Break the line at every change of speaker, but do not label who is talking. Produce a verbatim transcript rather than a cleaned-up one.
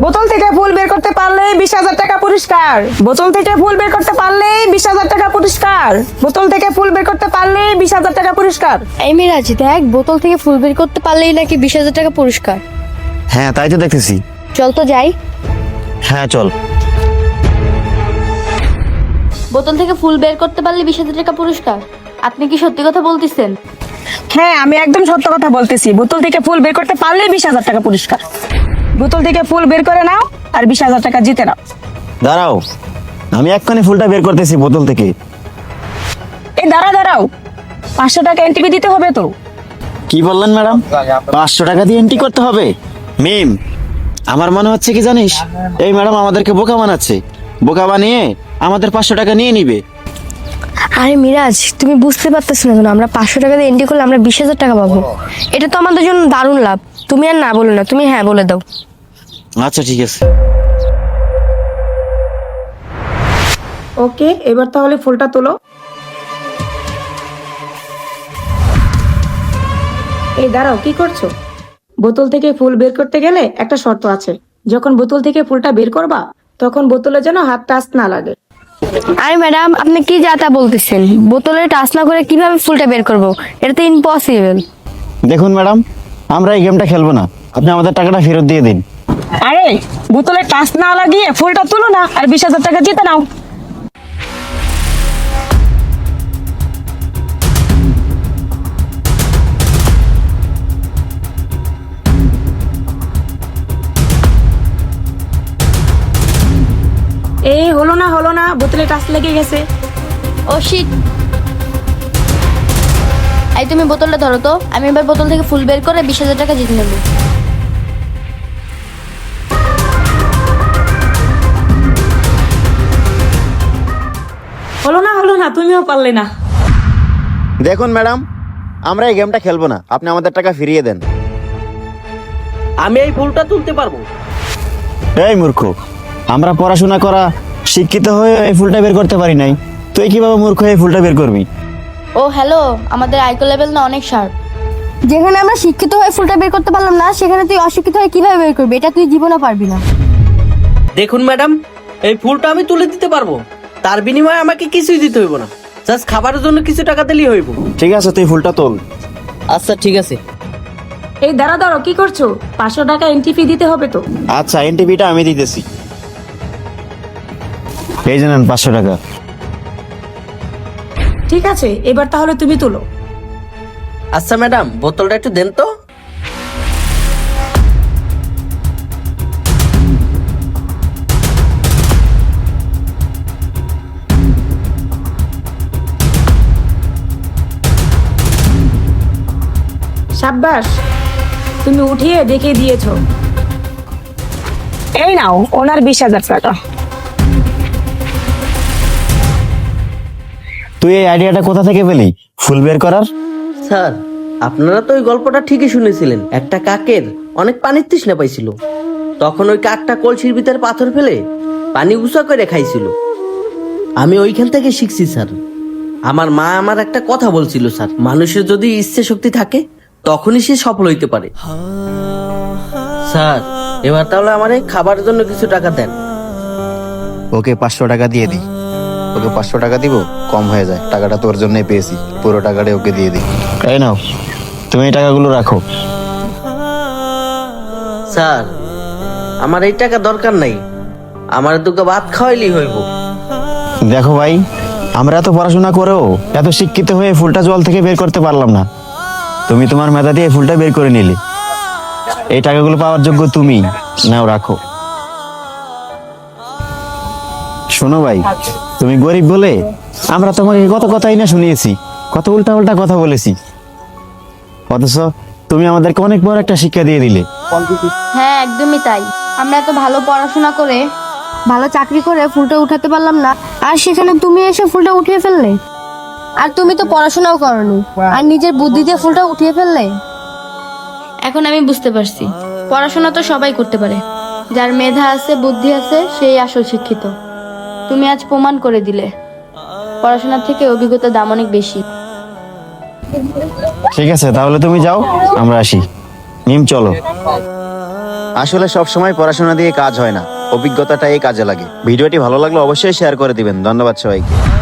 বোতল থেকে ফুল বের করতে পারলেই বিশ হাজার টাকা পুরস্কার। বোতল থেকে ফুল বের করতে পারলেই বিশ হাজার টাকা পুরস্কার। বোতল থেকে ফুল বের করতে পারলেই বিশ হাজার টাকা পুরস্কার।
এই মিরাজ দেখ, বোতল থেকে ফুল বের করতে পারলেই নাকি বিশ হাজার টাকা পুরস্কার।
হ্যাঁ তাই তো দেখতেছি।
চল তো যাই।
হ্যাঁ চল।
বোতল থেকে ফুল বের করতে পারলে বিশ হাজার টাকা পুরস্কার। আপনি কি সত্যি কথা বলতেছেন?
হ্যাঁ আমি একদম সত্য কথা বলতেছি। বোতল থেকে ফুল বের করতে পারলেই বিশ হাজার টাকা পুরস্কার। বোতল থেকে ফুল বের করে নাও আর বিশ হাজার টাকা জিতে নাও।
দাঁড়াও, আমি এক্ষুনি ফুলটা বের করতেছি বোতল থেকে।
এই দাঁড়া দাঁড়াও, পাঁচশো টাকা এনটিপি দিতে হবে তো।
কি বললেন ম্যাডাম? পাঁচশো টাকা দিয়ে এন্ট্রি করতে হবে? মিম, আমার মনে হচ্ছে কি জানিস, এই ম্যাডাম আমাদেরকে বোকা বানাচ্ছে। বোকা বানিয়ে আমাদের পাঁচশো টাকা নিয়ে নিবে।
আরে মিরাজ, তুমি বুঝতে পারতেছ না কেন? আমরা পাঁচশো টাকা দিয়ে এন্ট্রি করলে আমরা বিশ হাজার টাকা পাবো। এটা তো আমাদের জন্য দারুণ লাভ। তুমি আর না বলো না, তুমি হ্যাঁ বলে দাও।
আচ্ছা ঠিক আছে।
ওকে, এবার তাহলে ফুলটা তোলো। এই দাঁড়াও, কি করছো? বোতল থেকে ফুল বের করতে গেলে একটা শর্ত আছে। যখন বোতল থেকে ফুলটা বের করবা তখন বোতলে যেন হাত টাচ না লাগে।
আরে ম্যাডাম, আপনি কি যা তা বলতেছেন? বোতলে টাচ না করে কিভাবে ফুলটা বের করবো? এটা তো ইম্পসিবল।
দেখুন ম্যাডাম, আমরা এই গেমটা খেলবো না। আপনি আমাদের টাকাটা ফেরত দিয়ে দিন।
আরে বোতলে টাচ না লাগিয়ে ফুলটা তুলো না আর বিশ হাজার টাকা জিতে নাও। এই হলো না হলো না, বোতলে টাচ লেগে গেছে।
Oh shit. এই তুমি বোতলটা ধরো তো, আমি এবার বোতল থেকে ফুল বের করে বিশ হাজার টাকা জিতে নেব।
হলো না হলো না, তুমিও পারলে না।
দেখুন ম্যাডাম, আমরা এই গেমটা খেলবো না। আপনি আমাদের টাকা ফিরিয়ে দেন।
আমি এই ফুলটা তুলতে পারবো।
এই মূর্খ, আমরা পড়াশোনা করা শিক্ষিত হয়ে এই ফুলটা বের করতে পারি নাই, তুই কিভাবে মূর্খ হয়ে এই ফুলটা বের করবি?
ও হ্যালো, আমাদের আইকো লেভেল না অনেক শার্প। যেখানে আমরা শিক্ষিত হয়ে ফুলটা বের করতে পারলাম না, সেখানে তুই অশিক্ষিত হয়ে কিভাবে বের করবি? এটা তুই জীবনে পারবি না।
দেখুন ম্যাডাম, এই ফুলটা আমি তুলে দিতে পারবো। তার বিনিময়ে আমাকে কিছুই দিতে হইব না, জাস্ট খাবারের জন্য কিছু টাকা দিলেই হইব।
ঠিক আছে, তুই ফুলটা তোল।
আচ্ছা ঠিক আছে।
এই দাঁড়া দাঁড়াও, কি করছো? পাঁচশো টাকা এন্ট্রি ফি দিতে হবে তো।
আচ্ছা, এনটিপিটা আমি দিতেছি। এই জানেন পাঁচশো টাকা।
ঠিক আছে, এবার তাহলে তুমি তুলো।
আচ্ছা ম্যাডাম, বোতলটা একটু দেন তো।
সাব্বাস, তুমি উঠিয়ে দেখিয়ে দিয়েছো। এই নাও ওনার বিশ হাজার টাকা।
তুই এই আইডিয়াটা কোথা থেকে পেলি ফুল বের করার?
স্যার, আপনারা তো ওই গল্পটা ঠিকই শুনেছিলেন। একটা কাকের অনেক পানির তৃষ্ণা পাইছিল। তখন ওই কাকটা কলসির ভিতরে পাথর ফেলে পানি উঁচা করে খাইছিল। আমি ওইখান থেকে শিখছি স্যার। আমার মা আমার একটা কথা বলছিল স্যার, মানুষের যদি ইচ্ছে শক্তি থাকে তখনই সে সফল হইতে পারে। স্যার, এবার তাহলে আমার এই খাবারের জন্য কিছু টাকা দেন।
ওকে পাঁচশো টাকা দিয়ে দিই। ওকে পাঁচশো টাকা দিব, কম হয়ে যায়। টাকাটা তোর জন্যই পেয়েছি, পুরো টাকাটাই ওকে দিয়ে দিই। এই নাও, তুমি এই টাকাগুলো রাখো।
স্যার, আমার এই টাকা দরকার নাই, আমার দুটো ভাত খাওয়াইলেই হইব।
দেখো ভাই, আমরা এত পড়াশোনা করেও এত শিক্ষিত হয়ে ফুলটা জল থেকে বের করতে পারলাম না। তুমি তোমার মেধা দিয়ে ফুলটা বের করে নিলে। এই টাকাগুলো পাওয়ার যোগ্য তুমি। নাও রাখো। শোনো ভাই, তুমি গরিব বলে আমরা তোমাকে কত কথাই না শুনিয়েছি, কত উল্টা উল্টা কথা বলেছি, অথচ তুমি আমাদেরকে অনেক বড় একটা শিক্ষা দিয়ে দিলে।
হ্যাঁ একদমই তাই। আমরা এত ভালো পড়াশোনা করে ভালো চাকরি করে ফুলটা উঠাতে পারলাম না, আর সেখানে তুমি এসে ফুলটা উঠিয়ে ফেললে। আর তুমি তো পড়াশোনাও করনি, আর নিজের বুদ্ধি দিয়ে ফুলটা উঠিয়ে ফেললে। এখন আমি বুঝতে পারছি, পড়াশোনা তো সবাই করতে পারে, যার মেধা আছে বুদ্ধি আছে সেই আসল শিক্ষিত। তুমি আজ প্রমাণ করে দিলে পড়াশোনার থেকে অভিজ্ঞতার দাম অনেক বেশি।
ঠিক আছে, তাহলে তুমি যাও, আমরা আসি। নিম চলো। আসলে সব সময় পড়াশোনা দিয়ে কাজ হয় না, অভিজ্ঞতাটাই কাজে লাগে। ভিডিওটি ভালো লাগলে অবশ্যই শেয়ার করে দিবেন। ধন্যবাদ সবাইকে।